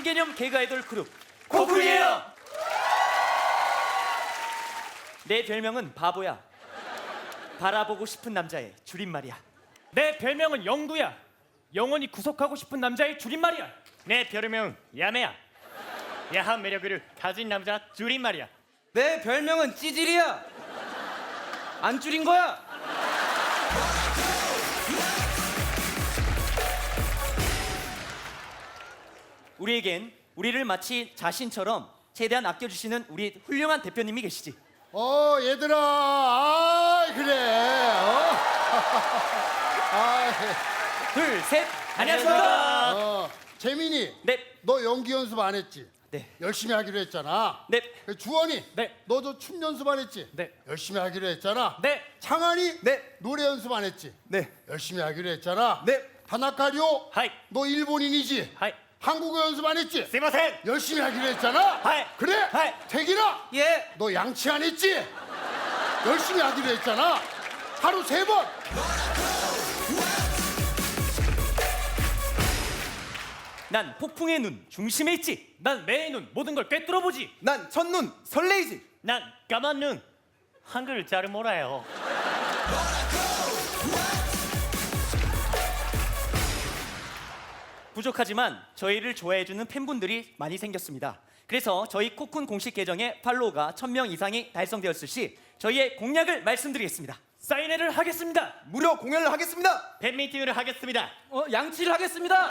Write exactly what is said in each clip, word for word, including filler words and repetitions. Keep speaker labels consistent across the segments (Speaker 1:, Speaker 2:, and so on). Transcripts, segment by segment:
Speaker 1: 신개념 개그 아이돌 그룹 코쿤이에요. 내 별명은 바보야. 바라보고 싶은 남자의 줄임말이야.
Speaker 2: 내 별명은 영구야. 영원히 구속하고 싶은 남자의 줄임말이야.
Speaker 3: 내 별명은 야매야. 야한 매력을 가진 남자 줄임말이야.
Speaker 4: 내 별명은 찌질이야. 안 줄인 거야.
Speaker 1: 우리에겐 우리를 마치 자신처럼 최대한 아껴주시는 우리 훌륭한 대표님이 계시지.
Speaker 5: 어 얘들아 아 그래 어? 아,
Speaker 1: 둘, 셋, 안녕하십니까.
Speaker 5: 어 재민이
Speaker 1: 네,
Speaker 5: 너 연기 연습 안 했지?
Speaker 1: 네,
Speaker 5: 열심히 하기로 했잖아.
Speaker 1: 네,
Speaker 5: 그 주원이
Speaker 2: 네.
Speaker 5: 너도 춤 연습 안 했지?
Speaker 2: 네.
Speaker 5: 열심히 하기로 했잖아.
Speaker 2: 네.
Speaker 5: 창한이
Speaker 4: 네.
Speaker 5: 노래 연습 안 했지?
Speaker 4: 네.
Speaker 5: 열심히 하기로 했잖아.
Speaker 4: 네.
Speaker 5: 다나카리오
Speaker 3: 하이.
Speaker 5: 너 일본인이지?
Speaker 3: 하이.
Speaker 5: 한국어 연습 안 했지?
Speaker 3: 스미마센.
Speaker 5: 열심히 하기로 했잖아.
Speaker 3: 하이.
Speaker 5: 그래.
Speaker 3: 하이.
Speaker 5: 태기라
Speaker 4: 예.
Speaker 5: 너 양치 안 했지? 열심히 하기로 했잖아. 하루 세 번.
Speaker 1: 난 폭풍의 눈 중심에 있지.
Speaker 2: 난 매의 눈 모든 걸 꿰뚫어 보지.
Speaker 4: 난 첫눈 설레이지.
Speaker 3: 난 까만 눈. 한글을 잘 몰라요.
Speaker 1: 부족하지만 저희를 좋아해주는 팬분들이 많이 생겼습니다. 그래서 저희 코쿤 공식 계정에 팔로우가 천 명 이상이 달성되었을 시 저희의 공약을 말씀드리겠습니다.
Speaker 2: 사인회를 하겠습니다.
Speaker 4: 무료 공연을 하겠습니다.
Speaker 3: 팬미팅을 하겠습니다.
Speaker 4: 어, 양치를 하겠습니다.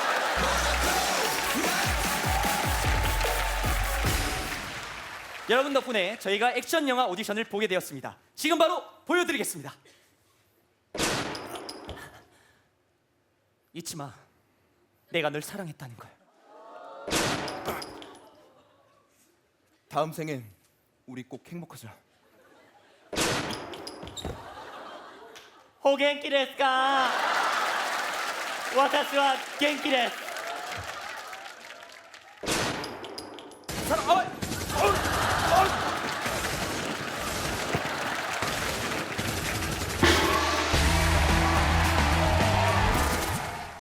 Speaker 1: 여러분 덕분에 저희가 액션 영화 오디션을 보게 되었습니다. 지금 바로 보여드리겠습니다. 잊지 마. 내가 널 사랑했다는 걸.
Speaker 4: 다음 생엔 우리 꼭 행복하자.
Speaker 3: 오 겐키ですか? 私は元気です.
Speaker 4: 사랑. 어,